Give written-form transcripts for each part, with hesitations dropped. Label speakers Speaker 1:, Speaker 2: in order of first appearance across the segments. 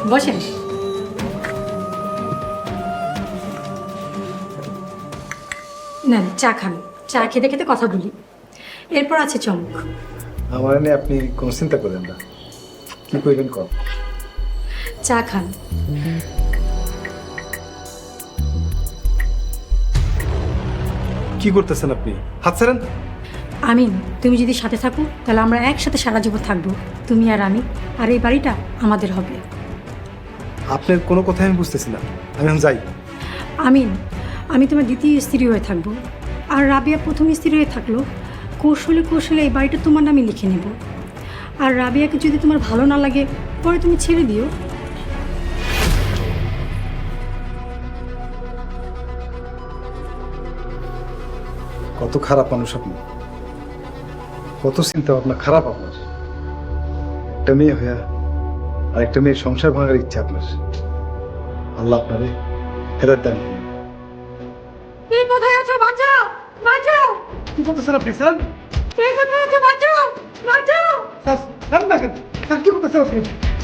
Speaker 1: বসেন। নেন চা খান, চা খেতে খেতে কথা বলি, এরপর আছে চমক।
Speaker 2: আমার নিয়ে আপনি কোনো চিন্তা করেন না, কি করবেন কর।
Speaker 1: চা খান।
Speaker 2: কি করতেছেন আপনি? হাত ছাড়েন।
Speaker 1: আমিন, তুমি যদি সাথে থাকো তাহলে আমরা একসাথে সারা জীবন থাকবো, তুমি আর আমি, আর এই বাড়িটা আমাদের হবে।
Speaker 2: আপনার কোনো কথাই আমি বুঝতেছি না, আমি এখন যাই।
Speaker 1: আমিন, আমি তোমার দ্বিতীয় স্ত্রী হয়ে থাকবো, আর রাবিয়া প্রথম স্ত্রী হয়ে থাকলো। কৌশলে কৌশলে এই বাড়িটা তোমার নামে লিখে নেব, আর রাবিয়াকে যদি তোমার ভালো না লাগে পরে তুমি ছেড়ে দিও।
Speaker 2: কত খারাপ মানুষ আপনি, কত চিন্তা ভাবনা খারাপ আপনার। একটা মেয়ে হইয়া আর একটা মেয়ের সংসার ভাঙার ইচ্ছা আপনার। আল্লাহ আপনারে হেদায়েত দান করুন।
Speaker 1: এই কোথায় আছো? বাঁচাও, বাঁচাও!
Speaker 2: কি করতেছেন আপনি স্যার?
Speaker 1: এই কোথায় আছো? বাঁচাও, বাঁচাও!
Speaker 2: স্যার, স্যার না কেন? স্যার কি করতেছেন আপনি?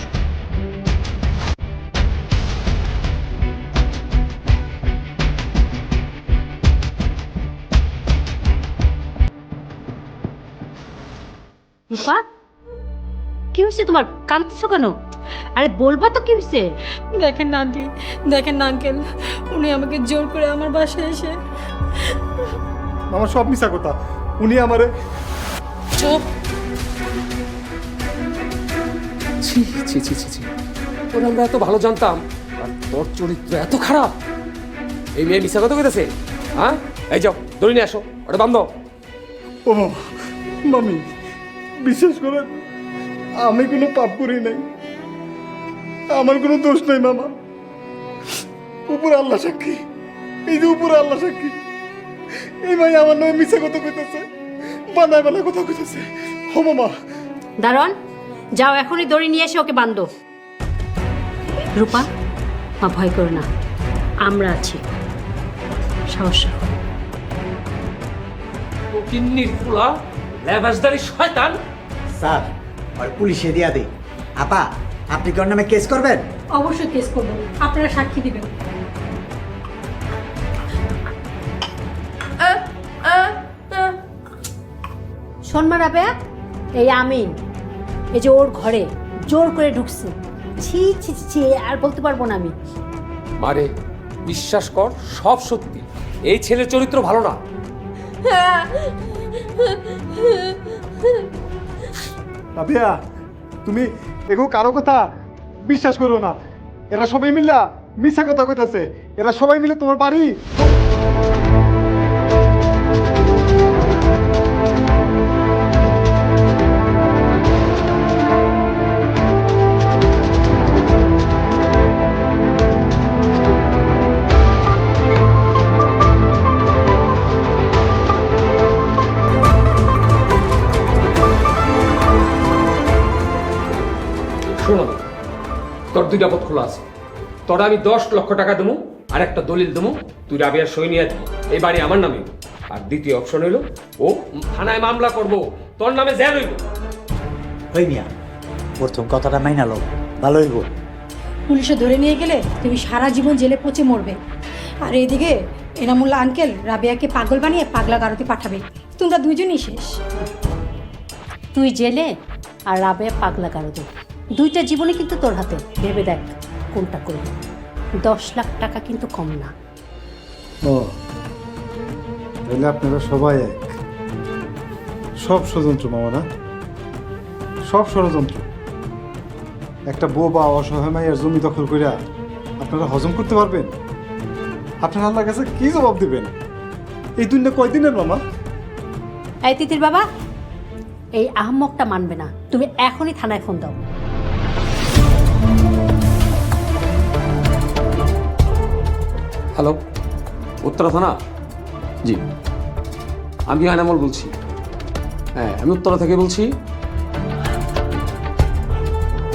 Speaker 3: রূপা, কি হয়েছে তোমার? কাঁদছো কেন? আরে বলবা তো কি হয়েছে?
Speaker 1: দেখেন না আন্টি, দেখেন না আঙ্কেল, উনি আমাকে জোর করে আমার বাসায় এসে।
Speaker 2: আমার সব মিশা কথা। উনি আমারে
Speaker 4: চুপ। ছি ছি ছি ছি ছি, তোর আমরা এত ভালো জানতাম আর তোর চরিত্র এত খারাপ। এই মেয়ে মিশা কথা কইতেছে। হ্যাঁ, এই যাও দড়ি নিয়ে আসো, ওটা বান্ধব।
Speaker 2: ও মামি, বিশ্বাস করেন আমি কোনো পাপ করি নাই, আমার কোনো দোষ নাই মামা। উপর আল্লাহ সাক্ষী, এই যে উপর আল্লাহ সাক্ষী, এই ভাই আমার নামে মিশা কথা কইতেছে, বানায় বানায় কথা কইতেছে। ও মামা,
Speaker 3: দারোয়ান, যাও এখনই দড়ি নিয়ে এসে ওকে বান্ধো। রূপা, মা ভয় করো না, আমরা আছি, সাহস রাখো।
Speaker 4: ও কিন্নির পোলা, লেবাসদারি শয়তান।
Speaker 5: স্যার আর পুলিশে দিয়া দিই। আপা, আপনি কি ওর নামে কেস করবেন?
Speaker 1: অবশ্যই কেস করবো, আপনারা সাক্ষী দিবেন।
Speaker 3: শোন রাবেয়া, এই আমিন, এই যে ওর ঘরে জোর করে ঢুকছে। ছি ছি ছি ছি, আর বলতে পারবো না আমি।
Speaker 4: মারে, বিশ্বাস কর সব সত্যি। এই ছেলের চরিত্র ভালো না।
Speaker 2: রাবিয়া, তুমি এগো কারো কথা বিশ্বাস করো না। এরা সবাই মিল্লা মিশা কথা কইতাছে। এরা সবাই মিলে তোমার বাড়ি।
Speaker 4: শোনো, তোর দুইটা পথ খোলা আছে। তোরা আমি 10 লক্ষ টাকা দেবো, আর একটা দলিল দেবো, তুই রাবিয়ার সই নিয়ে আসবি, এই বাড়ি আমার নামে। আর দ্বিতীয় অপশন হইলো ও থানায় মামলা করব, তোর নামে জেল হইব।
Speaker 5: হই মিয়া, প্রথম কথাটা মাইনা লো, ভালো হইব।
Speaker 1: পুলিশে ধরে নিয়ে গেলে তুমি সারা জীবন জেলে পচে মরবে, আর এইদিকে এনামুল্লা আঙ্কেল রাবিয়াকে পাগল বানিয়ে পাগলা গারদে পাঠাবে, তোমরা দুইজনই শেষ।
Speaker 3: তুই জেলে আর রাবেয়া পাগলা গারদে, দুইটা জীবনে কিন্তু তোর হাতে। ভেবে দেখ কোনটা করবি। 10 লাখ টাকা কিন্তু কম না।
Speaker 2: ও তাহলে আপনারা সবাই এক। সব ষড়যন্ত্র মামা না, সব ষড়যন্ত্র। একটা বোবা অসহায় মাইয়ার জমি দখল কইরা আপনারা হজম করতে পারবেন? আপনারা আল্লাহর কাছে কি জবাব দিবেন? এই দুনিয়া কয়দিনের মামা?
Speaker 3: এই তিতির বাবা, এই আহম্মকটা মানবে না। তুমি এখনই থানায় ফোন দাও।
Speaker 4: হ্যালো, উত্তরা থানা? জি, আমি আনামল বলছি। হ্যাঁ, আমি উত্তরা থেকে বলছি।